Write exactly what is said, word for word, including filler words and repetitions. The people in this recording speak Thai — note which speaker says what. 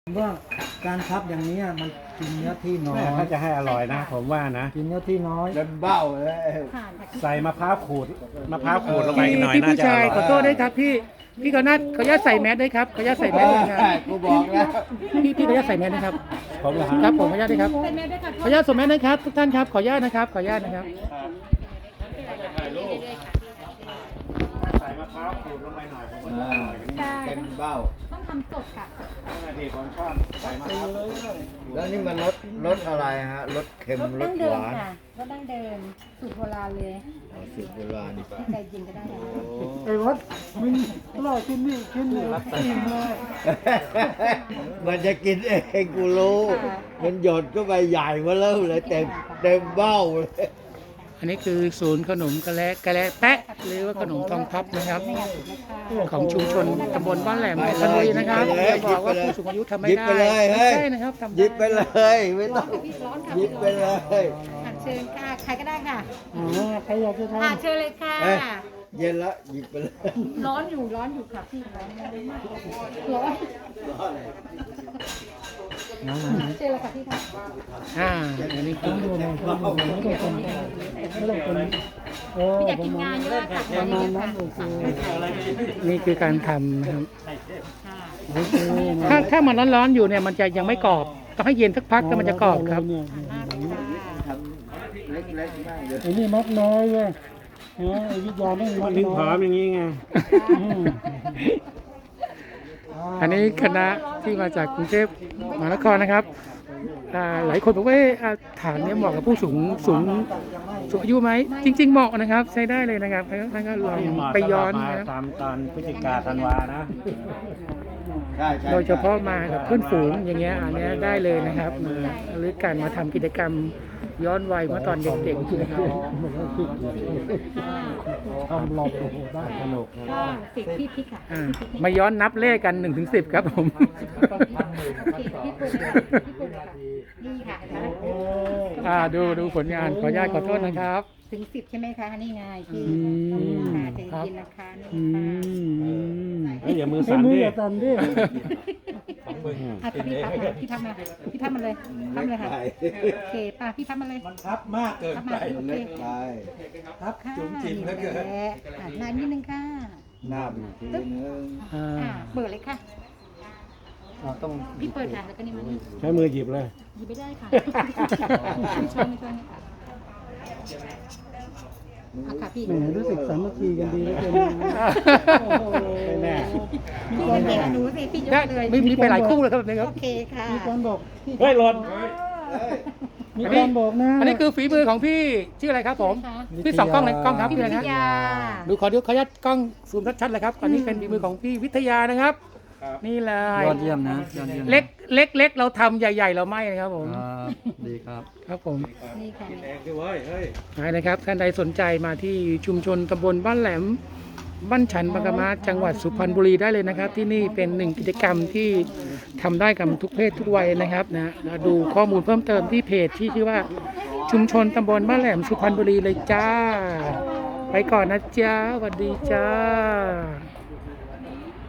Speaker 1: ว่าการพับอย่างนี้มันกินเนื้อที่น้อย
Speaker 2: ถ้าจะให้อร่อยนะ ผมว่านะ
Speaker 1: กินเนื้อที่น้อย
Speaker 3: เดินเบ้าเลย
Speaker 2: ใส่มะพร้าวขูดมะพร้าวขูดลงไปหน่อย
Speaker 4: พี่
Speaker 2: น่า
Speaker 4: ผู้
Speaker 2: จะอ
Speaker 4: ชาย
Speaker 2: ร่อย
Speaker 4: ขอโทษด้วยครับพี่พี่ขออนุญาตขออนุญาตใส่แมสด้วยครับขออนุญาตใส่แมสด้วยครับ
Speaker 3: กูบอกแล้ว
Speaker 4: พี่พี่ขออนุญาตใส่แมสนะครับ
Speaker 2: ผมเหรอ
Speaker 4: ค
Speaker 2: ค
Speaker 4: รั
Speaker 2: รั
Speaker 4: บบ ผมขออนุญาตด้วยครับขออนุญาตสวมแมสนะครับทุกท่านครับขออนุญาตนะครับขออนุญาตนะครับ
Speaker 2: ใส่มะพร้าวขูดลงไปหน่อยผมว่าอร่อย
Speaker 3: เต็มเบ้า
Speaker 5: ต้องทำสดค่ะ
Speaker 2: นาทีผมชอบใส่มะพร้าว
Speaker 3: แล้วนี่มันรสรสอะไรฮะรสเค็ม
Speaker 5: รส
Speaker 3: ร
Speaker 5: ดั้
Speaker 3: ส
Speaker 5: ง
Speaker 3: ห
Speaker 5: เดิม
Speaker 3: วาน
Speaker 5: ค่ะรสดั้งเดิมสูตรโบราณเลย
Speaker 3: อ๋อสูตรโบราณ
Speaker 5: ที่ใจจริงก็ได้นะ
Speaker 1: ไอ้วัดมึงเล่ากินนี่กินนี่กินเลย
Speaker 3: มันจะกินเองกูรู้ มันหยดก็ไปใหญ่มาเริ่มเลยเต็มเต็มเบ้าเลย
Speaker 4: อันนี้คือศูนย์ขนมกะแลกะแลแปะหรือว่าขนมทองพับนะครับ ของชุมชนตำบลบ้านแหลมเพชรบุรีนะครับอย่าบอกว่าผู้สูงอายุทำไม่
Speaker 3: หยิบ
Speaker 4: ได้
Speaker 3: ไปเลย
Speaker 4: ไม่
Speaker 3: เฮ้ย
Speaker 4: ใช่นะครับทำ
Speaker 3: หยิ
Speaker 4: ได้
Speaker 3: บไปเลยไม่
Speaker 5: ร้
Speaker 3: ต้
Speaker 5: อ
Speaker 3: อน ง
Speaker 5: ค่ะพี่ร้อนค่ะ
Speaker 3: หยิบไปเลย
Speaker 5: อ่ะเชิญค่ะใครก็ได้ค่ะ
Speaker 1: อ๋อใครอยากจะท
Speaker 5: อ่ะเชิญเลยค่ะ
Speaker 3: เอ้ยเย็นละหยิบไปเลย
Speaker 5: ร้อนอยู่ร้อนอยู่ค่ะพี่ร้อนมากร้อนเชิญเลยค่ะพี่ค่ะ
Speaker 4: อ่าอันนี้คือ
Speaker 1: ำดูหน่อยดูหน่อยไม่ต้องคนไม่ต้องคนเออ
Speaker 5: พี่อยาก
Speaker 1: ประ
Speaker 5: กิน
Speaker 1: มาณ
Speaker 5: งานเยอะค่ะ
Speaker 1: ประ
Speaker 5: งาน
Speaker 1: มาณ
Speaker 5: เยอะ
Speaker 1: นั้
Speaker 5: ค่ะ
Speaker 1: นโอเค
Speaker 4: นี่คือการทำนะครับ
Speaker 5: ค่ะ
Speaker 1: โอเคนะ
Speaker 4: ถ้าถ้ามันร้อนๆอยู่เนี่ยมันจะยังไม่กรอบต้องให้เย็นสักพักแล้วมันจะกรอบครับ
Speaker 1: เนี่ย
Speaker 5: มากเลยค่ะ
Speaker 3: เล็กๆมากเลย
Speaker 1: ไอ้นี่มัดน้อยเว้ยนะไอ้วิทยาไม่มัด
Speaker 2: ถึง
Speaker 1: น้
Speaker 2: ผอ
Speaker 1: อ
Speaker 2: ม
Speaker 1: ย
Speaker 2: อย่างนี้ไง
Speaker 1: อืม
Speaker 4: อันนี้คณะที่มาจากกรุงเทพมหานครนะครับอ่าหลายคนบอกว่าเอ๊ะอ่าฐานเนี้เหมาะกับผู้สูงสูงสูงอายุไหมจริง ๆเหมาะนะครับใช้ได้เลยนะครับท่านก็ลองไปย้อนนะครับ
Speaker 2: ตามตอนพฤศจิกาธันวานะ
Speaker 3: ใช่ใช่
Speaker 4: โดยเฉพาะมากับเพื่อนฝูงอย่างเงี้ยอันเนี้ยได้เลยนะครับมาหรือการมาทำกิจกรรมย้อนวัยเมื่อตอนเด็กๆนะครับ
Speaker 1: ทำหลอกโอ้โหได้
Speaker 2: สนุก
Speaker 5: ก็สิบพี่พริกค่ะ
Speaker 4: อ่ามาย้อนนับเลขกันหนึ่งถึงสิบครับผม
Speaker 5: โอเคพี่ปุ่นค่ะพี่ปุ่นค่ะนี่ค่ะเห็นไหม
Speaker 4: อ่าดูดูผลงานขออนุญาตขอโทษนะครับ
Speaker 5: ถึงสิบใช่ไหมคะนี่ไงพี่
Speaker 4: อืม
Speaker 5: ค่ะใจเย็นนะคะนี่
Speaker 4: อื
Speaker 5: ค่ะ
Speaker 4: ม
Speaker 2: เฮ้ยอย่ามือ
Speaker 1: ไอ้
Speaker 2: สั่น
Speaker 1: มือ
Speaker 2: ดิ
Speaker 1: อย่าสั่นดิ
Speaker 5: อ่ะพี่พับมาพี่พับมาพี่พับมาเลยพับเลยค่ะโอเคป้าพี่พับมาเลย
Speaker 3: มันทับมากเกิน
Speaker 5: พับ
Speaker 3: ไป
Speaker 5: มาโอเค
Speaker 3: เล็กไป
Speaker 5: ครับจุ๋มจิ้มแล้วเกินอ่ะนานนิดนึงค่ะ
Speaker 3: หน้าบีทีนึง
Speaker 4: อ่า
Speaker 5: อ่ะเปิดเลยค่ะ
Speaker 1: อ่าต้อง
Speaker 5: พี่เปิดค่ะแล้วก็นี่มัน
Speaker 2: ใช้มือหยิบเลย
Speaker 5: หยิบไม่ได้ค่ะไม่ช้อนไม่ช้อนค่ะอ่ะค่ะพี่
Speaker 1: แหมรู้สึกสามัคคีกันดีเหลือเกินโอ้โห
Speaker 2: ไม่แน่
Speaker 5: พี่ก็เก่งกับหนูสิพี่ย
Speaker 4: ได้
Speaker 5: กเลย
Speaker 4: มีมีไปหลายคู่แล้วครับนี่ครับ
Speaker 5: โอเคค่ะ
Speaker 1: มีคนบอก
Speaker 2: เฮ้ยหล่น
Speaker 1: มีคนบอกนะ
Speaker 4: อันนี้คือฝีมือของพี่ชื่ออะไรครับผมพี่สองกล้องเลยกล้องครับ
Speaker 5: พี่
Speaker 4: พี่
Speaker 5: วิ
Speaker 4: อะไร
Speaker 5: ท
Speaker 4: นะ
Speaker 5: ยา
Speaker 4: ดูขอดูขออนุญาตกล้องซูมชัดๆเลยครับอันนี้เป็นฝีมือของพี่วิทยานะครับ นี่เลย
Speaker 1: ยอดเยี่ยมนะยอดเยี่ยม
Speaker 4: เล็กเล็กเล็กเราทำใหญ่ ๆ เราไม่นะครับผม
Speaker 1: อ่าดีครับ
Speaker 4: ครับผม
Speaker 5: นี่ค่ะ
Speaker 2: เองด้วยเว้ยเฮ้ย
Speaker 4: ไปนะครับท่านใดสนใจมาที่ชุมชนตำบลบ้านแหลมบ้านฉันบางกะมาจังหวัดสุพรรณบุรีได้เลยนะครับ ที่นี่เป็นหนึ่งกิจกรรมที่ทำได้กับทุกเพศทุกวัยนะครับนะแล้วดูข้อมูลเพิ่มเติมที่เพจที่ชื่อว่าชุมชนตำบลบ้านแหลมสุพรรณบุรีเลยจ้า ไปก่อนนะจ้าสวัสดีจ้า